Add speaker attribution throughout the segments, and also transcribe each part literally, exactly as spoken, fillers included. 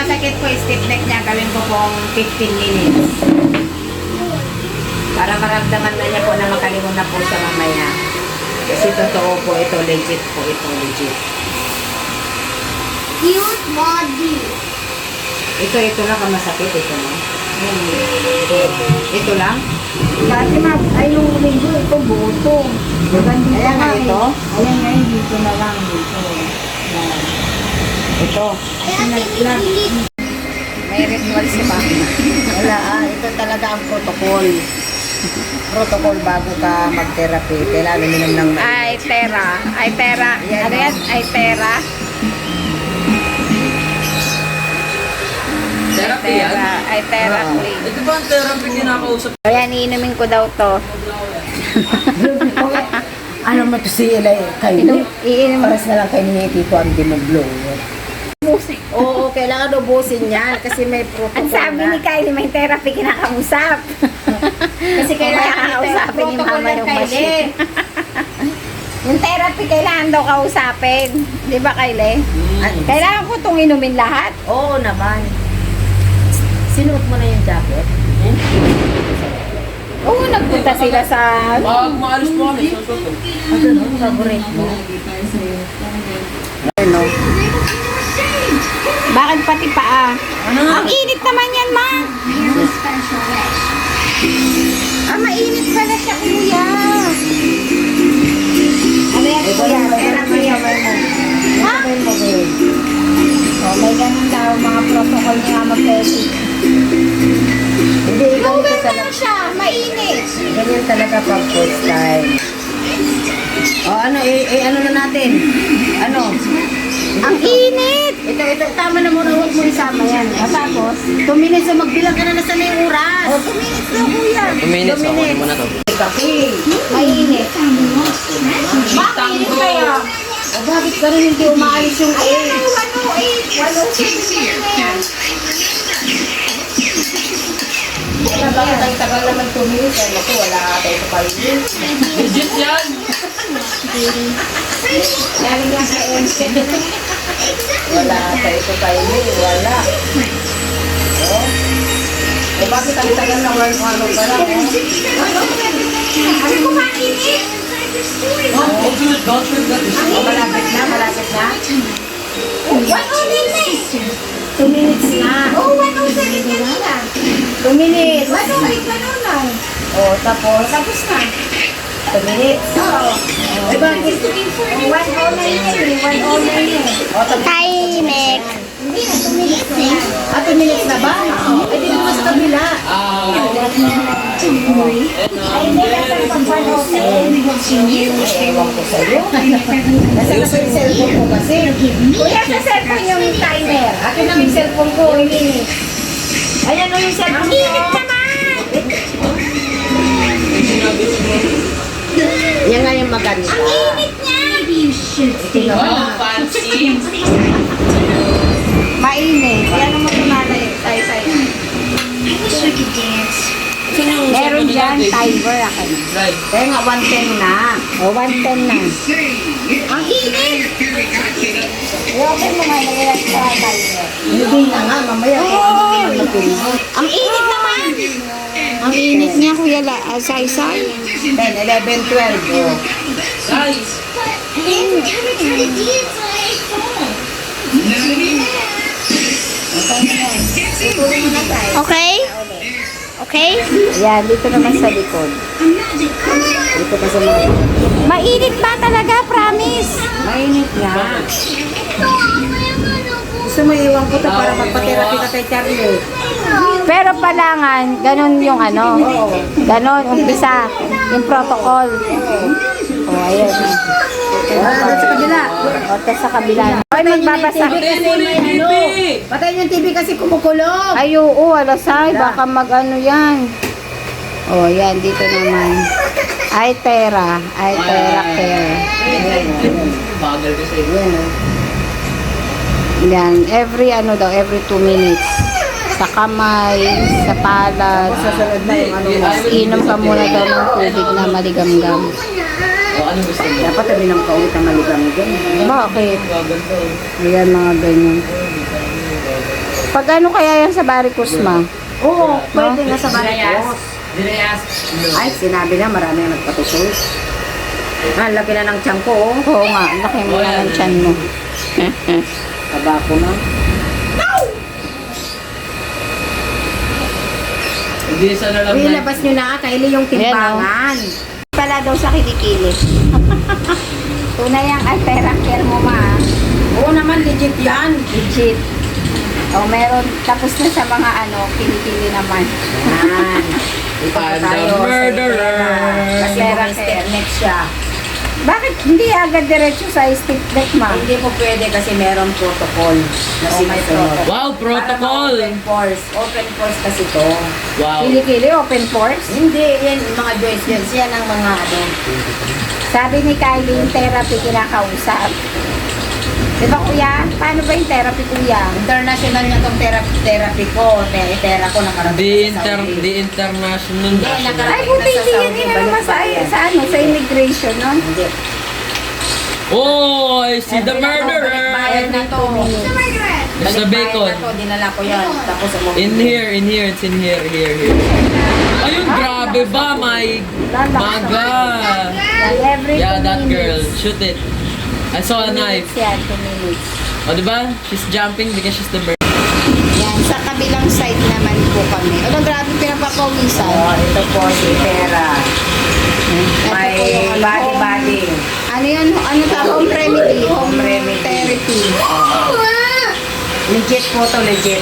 Speaker 1: masakit po yung stiff neck niya, gawin ko pong fifteen minutes. Para maramdaman na niya po na makalingon na po siya mamaya. Kasi totoo po ito, legit po ito, legit.
Speaker 2: Cute body.
Speaker 1: Ito, ito lang ang masakit, ito no? Ito, ito lang?
Speaker 2: Dati na, ay yung linggo, ito buto.
Speaker 1: Ayan nga ito?
Speaker 2: Ayan nga, dito na lang, dito.
Speaker 1: Ito.
Speaker 2: Nag-vlog.
Speaker 1: May ritual si pa. Wala ah, ito talaga ang protocol. Protocol bago ka mag-therapy. Kailangan uminom ng
Speaker 3: Ay, Tera. Ay, Tera.
Speaker 1: Yan,
Speaker 3: Ano
Speaker 1: no?
Speaker 3: yan? Ay, Tera.
Speaker 4: Therapy yan?
Speaker 3: Tera. Ay, Tera
Speaker 1: Oo.
Speaker 3: Queen.
Speaker 4: Ito ba ang therapy kinakausap?
Speaker 3: Ayan, iinumin ko daw to.
Speaker 1: Ano mo to si Eli? Kayo?
Speaker 3: Inum, iinumin.
Speaker 1: Paras na lang kayo ni Tito ang dimoblow. Oo, kailangan ubusin yan kasi may protocol
Speaker 3: Ang sabi
Speaker 1: na.
Speaker 3: ni Kylie, may therapy kinakausap.
Speaker 1: Kasi kailangan
Speaker 3: Mamaya kakausapin ni
Speaker 1: protocol
Speaker 3: Mama
Speaker 1: yan,
Speaker 3: yung
Speaker 1: Kylie.
Speaker 3: machine. Yung therapy kailangan daw kausapin. Di ba, Kylie?
Speaker 1: Ano?
Speaker 3: Kailangan ko itong inumin lahat.
Speaker 1: Oo naman. Sinuot mo na yung jacket?
Speaker 3: Oo, nagpunta sila sa...
Speaker 4: Pag maalis mo kami, sa toto.
Speaker 1: Ano no? Favorite mo? Ano?
Speaker 3: Bakit pati paa?
Speaker 4: Ano?
Speaker 3: Ang init naman yan, ma! Ah, mainit pala siya, kuya. Ano yan,
Speaker 1: Ito
Speaker 3: kuya?
Speaker 1: lang,
Speaker 3: Therapy yan.
Speaker 1: Ha?
Speaker 3: Oh, may ganun daw, mga protocol ni Mama Pesi.
Speaker 1: Hindi, ikaw
Speaker 3: Lower
Speaker 1: ito
Speaker 3: na
Speaker 1: talaga.
Speaker 3: siya, mainit.
Speaker 1: Ganyan talaga pag first time. O ano, eh, eh ano na natin? Ano?
Speaker 3: Ang init!
Speaker 1: Ito, ito, tama na muna, huwag mo isama yan. O tapos, two minutes na magbilang ka na nasa na yung oras.
Speaker 3: Oh, two minutes na, kuya.
Speaker 4: Two minutes,
Speaker 1: Two
Speaker 4: ako
Speaker 1: minutes.
Speaker 4: muna to.
Speaker 1: Kapi.
Speaker 3: Mainit. Bakit kaya?
Speaker 1: O bakit ganun hindi umaalis yung
Speaker 3: Ayan
Speaker 1: eh?
Speaker 3: na, one oh eight. one oh six na yan.
Speaker 1: Wala ba tayo tagal naman two minutes? Ay, naku, wala tayo sa paligid.
Speaker 4: Legit yan!
Speaker 3: Galing lang sa M C.
Speaker 1: Wala tayo sa paligid, wala. O? Eh, bakit ang tagal na one ano pa lang?
Speaker 3: Ano ko mainit?
Speaker 4: Oh, don't do it, don't do it.
Speaker 1: O, malapit na, malapit na.
Speaker 3: one oh nine na eh.
Speaker 1: Two minutes na.
Speaker 3: Oh, one oh seven na lang.
Speaker 1: Two minutes.
Speaker 3: one oh eight, one oh nine.
Speaker 1: O, tapos,
Speaker 3: Tapos na.
Speaker 1: two minutes.
Speaker 3: Oo.
Speaker 1: Eh, bakit?
Speaker 3: one oh nine na eh. one oh nine na eh.
Speaker 1: O, tapos.
Speaker 3: Timing. Hindi na, two minutes na yan.
Speaker 1: Ah, two minutes na ba? Eh, di naman sa kabila.
Speaker 4: Ah,
Speaker 3: Ay, hindi kasi pag one oh seven.
Speaker 1: Ay, ewan ko sa'yo. Nasa nasa yung cellphone ko kasi.
Speaker 3: Kuya, sa cellphone yung timer.
Speaker 1: Akin na yung cellphone ko. Ini. Ayan o yung
Speaker 3: Ang
Speaker 1: cellphone
Speaker 3: init
Speaker 1: ko.
Speaker 3: naman!
Speaker 1: Yan nga yung maganda.
Speaker 3: Ang init niya!
Speaker 4: oh, fancy.
Speaker 3: Mainit. Kaya naman tumalay tayo sa'yo. Meron dyan, timer ako.
Speaker 4: Right.
Speaker 1: Kaya nga one ten na.
Speaker 3: O, one ten na. Ang init! Eh, okay mo nga, nag-relax sa timer.
Speaker 1: Hindi na nga, mamaya.
Speaker 3: Oh!
Speaker 1: Matulog.
Speaker 3: Ang init naman! Ang init niya, Kuya La, uh, Sai-Sai.
Speaker 1: ten, eleven, twelve. Oh.
Speaker 4: Guys,
Speaker 3: Okay? Okay? Yan, dito naman sa likod.
Speaker 1: Dito pa sa mga...
Speaker 3: Mainit ba talaga? Promise?
Speaker 1: Mainit nga. Gusto mo iwan ko to para magpa-therapy ka kay Charlie.
Speaker 3: Pero palangan, ganun yung ano. Ganun, umpisa. Yung protocol. O, oh, ayan.
Speaker 1: Ah, sa kabila.
Speaker 3: O, tapos sa kabila. Ay, magbabasa.
Speaker 4: patay mo na yung T V!
Speaker 1: Patay yung T V kasi kumukulong.
Speaker 3: Ay, oo, alasay. Baka mag-ano yan. O, yan, dito naman. Ay, Tera. Ay, Tera Care.
Speaker 4: Bagal ka sa'yo.
Speaker 1: Yan, oh.
Speaker 3: Yan, every ano daw, every two minutes. Sa kamay, sa palad.
Speaker 1: Sasunod na yung ano mo.
Speaker 3: Inom ka muna daw ng tubig na maligamgam.
Speaker 4: O, ano gusto mo?
Speaker 1: Dapat tabi ng kaulit na maligang dyan.
Speaker 3: Bakit?
Speaker 4: Bagal to.
Speaker 3: Ayan, mga ganyan. Pag ano kaya yan sa varicose, ma?
Speaker 1: Oo, pwede nga sa varicose.
Speaker 4: Dinayas.
Speaker 1: Ay, sinabi na marami ang nagpatusoy. Ah, laki na ng tiyan ko, oh.
Speaker 3: Oo nga, laki mo na ng tiyan mo.
Speaker 1: Taba ko na.
Speaker 4: Hindi sa na lang
Speaker 1: Uy,
Speaker 4: na.
Speaker 1: labas nyo na, Kylie, yung timbangan.
Speaker 3: Pala daw sa kilikili. Tunay ang altera care mo, ma.
Speaker 1: Oo naman, legit yan.
Speaker 3: Legit. O, meron. Tapos na sa mga ano, kilikili naman.
Speaker 1: Yan. Ito po
Speaker 4: I'm the
Speaker 1: tayo sa
Speaker 4: murderer.
Speaker 1: Itera. Kasi
Speaker 3: Itera
Speaker 1: may step
Speaker 3: care.
Speaker 1: next siya.
Speaker 3: Bakit hindi agad diretso sa stick deck, ma?
Speaker 1: Hindi po pwede kasi meron protocol na
Speaker 3: Oh, may
Speaker 1: sinusunod.
Speaker 3: protocol.
Speaker 4: Wow, protocol.
Speaker 1: Para ma-open pores. Open pores kasi to.
Speaker 4: Wow.
Speaker 3: Kilikili, open pores.
Speaker 1: Hindi, yan mga joints yan. Yan ang mga ano.
Speaker 3: Sabi ni Kylie, yung therapy kinakausap. Di ba, kuya? Paano ba yung therapy, kuya?
Speaker 1: International na tong therapy, therapy ko. Te- Tera ko nakarating
Speaker 4: The,
Speaker 1: na sa
Speaker 4: inter,
Speaker 1: Saudi.
Speaker 4: the international.
Speaker 1: Hindi,
Speaker 3: Ay,
Speaker 1: nakarating
Speaker 3: buti
Speaker 1: na sa
Speaker 3: hindi
Speaker 1: Saudi.
Speaker 3: yun naman sa,
Speaker 1: Balikbayan.
Speaker 3: sa, ano, sa immigration, no?
Speaker 1: Hindi.
Speaker 4: Oh, I see the
Speaker 1: Balikbayan
Speaker 4: murderer.
Speaker 1: na to.
Speaker 4: It's the
Speaker 1: Balikbayan
Speaker 4: bacon.
Speaker 1: na to. Dinala ko yan. Tapos umuwi.
Speaker 4: In here, in here, it's in here, here, here. Ayun, grabe ba, my maga.
Speaker 3: Yan, every
Speaker 4: Yeah,
Speaker 3: two
Speaker 4: that girl.
Speaker 3: minutes.
Speaker 4: Shoot it. I saw a
Speaker 3: Two
Speaker 4: knife.
Speaker 3: minutes yan, two minutes.
Speaker 4: O, diba? She's jumping because she's the bird.
Speaker 3: Yan, sa kabilang side naman po kami. Ano, grabe pinapapawisan.
Speaker 1: Oh, ito po si Tera.
Speaker 3: Ito
Speaker 1: May
Speaker 3: po yung ano,
Speaker 1: body
Speaker 3: home-
Speaker 1: body.
Speaker 3: Ano yun? Ano ta? Home remedy. Home
Speaker 1: Home remedy.
Speaker 3: therapy.
Speaker 1: Legit po to, legit.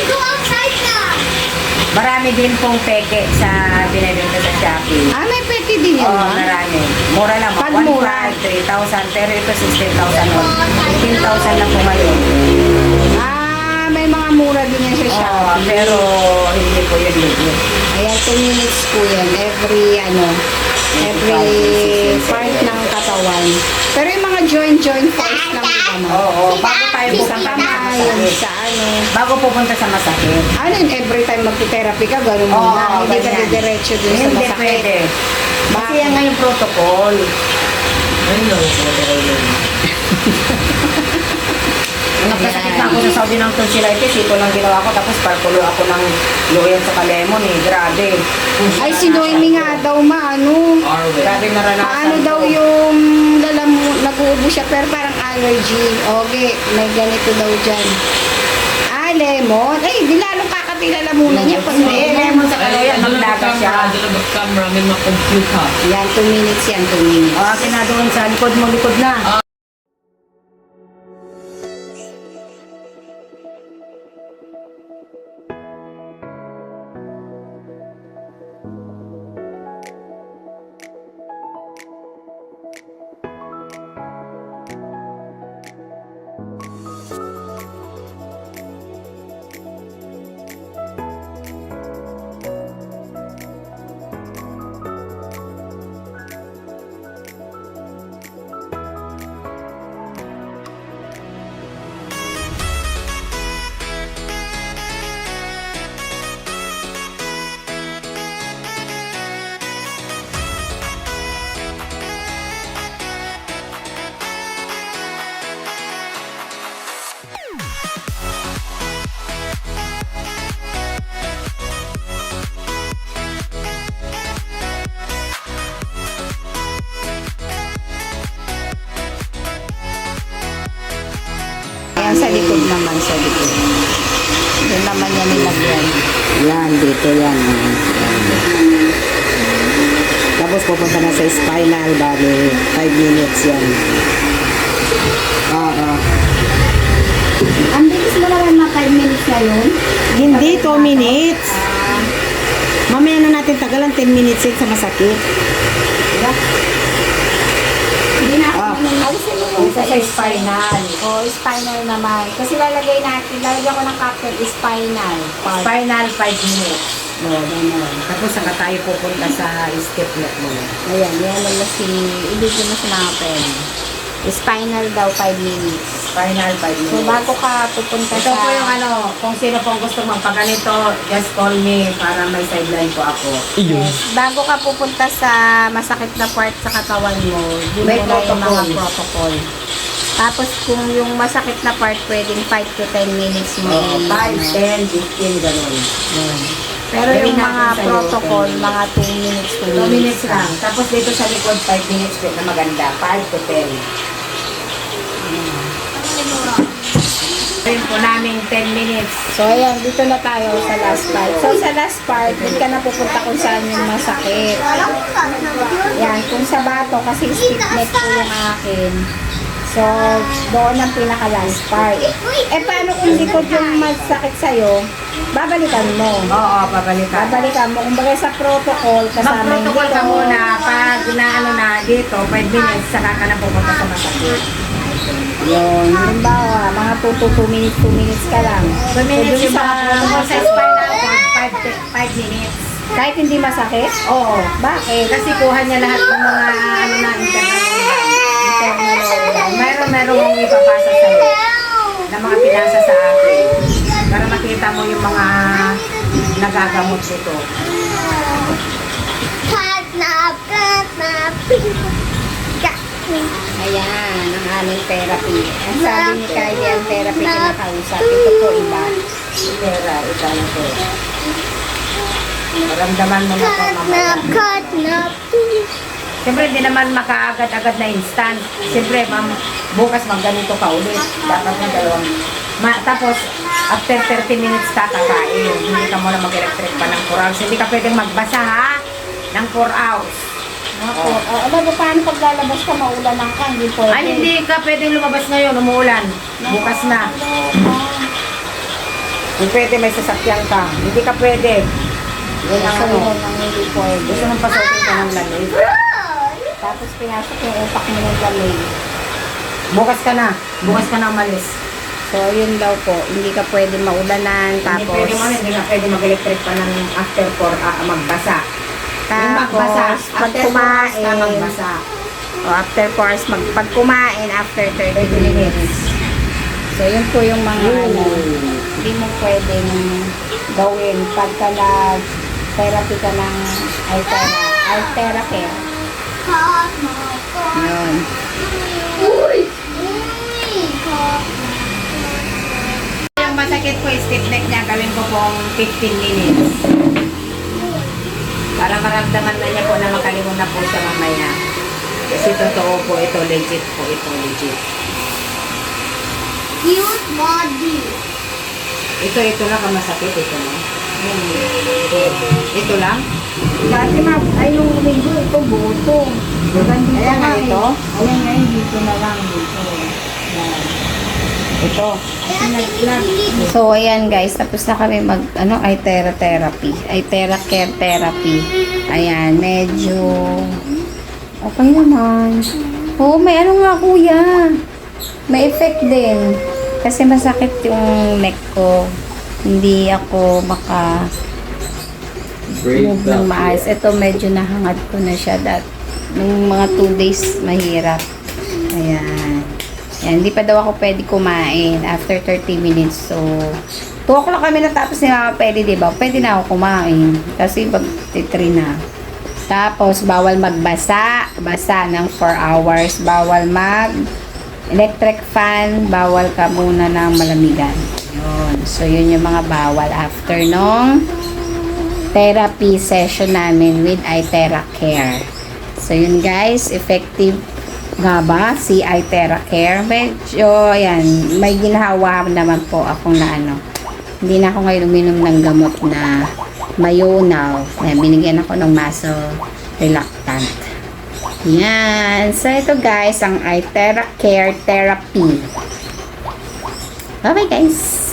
Speaker 1: Marami din pong peke sa binibenta sa Shopee.
Speaker 3: Ah, may peti din yun,
Speaker 1: Oo,
Speaker 3: ma?
Speaker 1: marami. Mura lang.
Speaker 3: Pag
Speaker 1: one
Speaker 3: mura.
Speaker 1: five, three thousand. Pero ito sixteen thousand. fifteen thousand na po ngayon.
Speaker 3: Ah, may mga mura din yan sa
Speaker 1: Oo,
Speaker 3: Shopee.
Speaker 1: pero hindi po yun legit.
Speaker 3: Ayan, two minutes po yan. Every, ano, every part ng katawan. Pero yung mga joint-joint parts lang po naman.
Speaker 1: Oo, bago tayo
Speaker 3: Sa
Speaker 1: pupunta sa
Speaker 3: kamay, yung
Speaker 1: masakit.
Speaker 3: sa ano.
Speaker 1: Bago pupunta sa masakit.
Speaker 3: Ano yun, every time magti-therapy ka, gano'n mo
Speaker 1: Oo,
Speaker 3: na. Hindi ka
Speaker 1: ganyan.
Speaker 3: didiretso dun sa
Speaker 1: Hindi
Speaker 3: masakit.
Speaker 1: pwede. Kasi
Speaker 3: Bakit?
Speaker 1: yan nga yung protocol.
Speaker 4: Ayun lang, protocol yun.
Speaker 1: Nagkasakit na ako sa Saudi ng tonsillitis. Ito lang ginawa ko. Tapos parkulo ako ng loyan sa kalemon eh. Grabe.
Speaker 3: Ay, si Noemi nga daw, ma, ano.
Speaker 4: Arwen.
Speaker 1: Grabe naranasan
Speaker 3: Paano
Speaker 1: ko.
Speaker 3: daw yung lalamu, nag-uubo siya, pero parang allergy. Okay, may ganito daw dyan. Ah, lemon. Ay, di lalong kakapilala muna niya pag
Speaker 1: Hindi,
Speaker 3: lemon.
Speaker 1: lemon sa kaloyan. Maglaga siya.
Speaker 4: Doon ang camera, may mga computer.
Speaker 3: Yan, two minutes yan, two minutes.
Speaker 1: O, akin na doon sa likod mo, likod na.
Speaker 3: Ayan, sa likod naman, sa likod. Doon naman yan nilagyan.
Speaker 1: Yan, dito yan. Yan. Tapos pupunta na sa spinal, bali five minutes yan. Oo.
Speaker 3: Ang bilis mo naman na five minutes na yun.
Speaker 1: Hindi, two minutes. Mamaya na natin tagalan, ten minutes yun sa masakit.
Speaker 3: Hindi na ako
Speaker 1: Ah.
Speaker 3: naman alisin mo
Speaker 1: Ito
Speaker 3: yung
Speaker 1: sa spinal.
Speaker 3: O, spinal naman. Kasi lalagay natin, lalagyan ko ng caption, spinal part.
Speaker 1: Spinal, five minutes. No, ganun. Tapos saka tayo pupunta sa step net mo.
Speaker 3: Ayan, yan lang si, ibigay mo sa mga pen. Spinal daw, five minutes.
Speaker 1: Spinal, five
Speaker 3: So,
Speaker 1: minutes.
Speaker 3: bago ka pupunta
Speaker 1: Ito
Speaker 3: sa...
Speaker 1: po yung ano, kung sino pong gusto magpaganito, just call me para may sideline po ako.
Speaker 3: Yes, bago ka pupunta sa masakit na part sa katawan mo, yun
Speaker 1: May
Speaker 3: muna yung mga
Speaker 1: protocol.
Speaker 3: protocol. Tapos kung yung masakit na part, pwedeng five to ten minutes mo.
Speaker 1: Oo,
Speaker 3: i-
Speaker 1: five, ten, fifteen, gano'n. Yun.
Speaker 3: Pero
Speaker 1: Gawin
Speaker 3: yung mga
Speaker 1: natin sa'yo,
Speaker 3: protocol,
Speaker 1: ten.
Speaker 3: mga two minutes, two
Speaker 1: two minutes
Speaker 3: minutes
Speaker 1: lang. Tapos dito sa likod, five minutes din na maganda. five to ten. Gawin po namin ten minutes.
Speaker 3: So, ayan, dito na tayo sa last part. So, sa last part, hindi ka na pupunta kung saan yung masakit. Yan, kung sa bato, kasi stiff neck po yung akin. So, doon ang pinaka-last part. Eh, paano kung likod yung masakit sa'yo? Babalikan mo.
Speaker 1: Oo, pabalikan.
Speaker 3: Babalikan mo. Kumbaga sa protocol, kasama yung
Speaker 1: Mag-protocol ka
Speaker 3: likod.
Speaker 1: muna. Pag na ano na dito, five minutes, saka ka na pupunta sa masakit.
Speaker 3: Yun. Halimbawa, mga two to two minutes, two minutes ka lang.
Speaker 1: two minutes
Speaker 3: So,
Speaker 1: yung
Speaker 3: dun
Speaker 1: mga protocol sa spinal cord, five minutes.
Speaker 3: Kahit hindi masakit?
Speaker 1: Oo.
Speaker 3: Bakit?
Speaker 1: Kasi kuha niya lahat ng mga ano na internal organ. Meron meron mong ipapasa sa iyo na mga pinasa sa akin para makita mo yung mga nagagamot nito.
Speaker 3: Ayan, ang aming therapy. Ang sabi ni Kylie, ang therapy kinakausap. Ito po iba.
Speaker 1: Pera, ito na to. Maramdaman mo na ito mamaya. Siyempre, hindi naman makaagad-agad na instant. Siyempre, ma'am, bukas magganito ka ulit. Dapat mo dalawang... Ma, tapos, after thirty minutes ka kakain. Hindi ka muna mag-electric pa ng four hours. Hindi ka pwedeng magbasa, ha? Ng four hours.
Speaker 3: Ako, oh. Ano ba, paano pag lalabas ka, maulanan ka, hindi pwede.
Speaker 1: Ay, hindi ka pwedeng lumabas ngayon, umuulan. Bukas na. Kung pwede, may sasakyan ka. Hindi ka pwede. Yun ang
Speaker 3: So,
Speaker 1: ano.
Speaker 3: yun ang hindi pwede.
Speaker 1: Gusto mong pasukin ka ng lamig.
Speaker 3: Tapos pinasok yung utak mo ng lamig.
Speaker 1: Bukas ka na. Bukas ka na umalis.
Speaker 3: So, yun daw po. Hindi ka pwede maulanan.
Speaker 1: Hindi
Speaker 3: Tapos,
Speaker 1: pwede mo, hindi ka pwede mag-electric pa ng after four, ah, magbasa. Yung magbasa,
Speaker 3: tapos, pag
Speaker 1: after four hours ka
Speaker 3: kumain,
Speaker 1: magbasa.
Speaker 3: o after four hours, mag, pag kumain, after thirty minutes. So, yun po yung mga ano, hindi mo pwedeng gawin pagka nag-therapy ka ng Altera, Altera Care. Yun.
Speaker 1: Yung masakit ko, stiff neck niya, gawin ko pong fifteen minutes. Para maramdaman na niya po na makalimon na po siya mamaya. Kasi totoo po ito, legit po ito, legit.
Speaker 2: Cute body.
Speaker 1: Ito, ito lang ang masakit, ito lang. Ito lang?
Speaker 3: Dati ma, ay nung linggo, ito buto. Dito
Speaker 1: Ayan nga ito?
Speaker 3: Ayan nga, dito na lang, dito. Yan.
Speaker 1: Ito.
Speaker 3: So, ayan guys, tapos na kami mag, ano, Itera therapy. Itera care therapy. Ayan, medyo, okay naman. Oo, may ano nga kuya. May effect din. Kasi masakit yung neck ko. Hindi ako maka move ng maayos. Ito medyo nahangat ko na siya. Dat, nung mga two days, mahirap. Ayan. Ayan, hindi pa daw ako pwede kumain after thirty minutes. So, two o'clock kami natapos ni Mama Pwede, diba? Pwede na ako kumain. Kasi pag titri na. Tapos, bawal magbasa. Basa ng four hours. Bawal mag electric fan. Bawal ka muna ng malamigan. Yun. So, yun yung mga bawal after nung therapy session namin with Itera Care. So, yun guys. Effective nga ba si Itera Care? Medyo, ayan, may ginhawa naman po akong na ano. Hindi na ako ngayon uminom ng gamot na Mayonnaise. Ayan, binigyan ako ng maso relactant. Yan. So, ito guys, ang Itera Care Therapy. Bye-bye guys!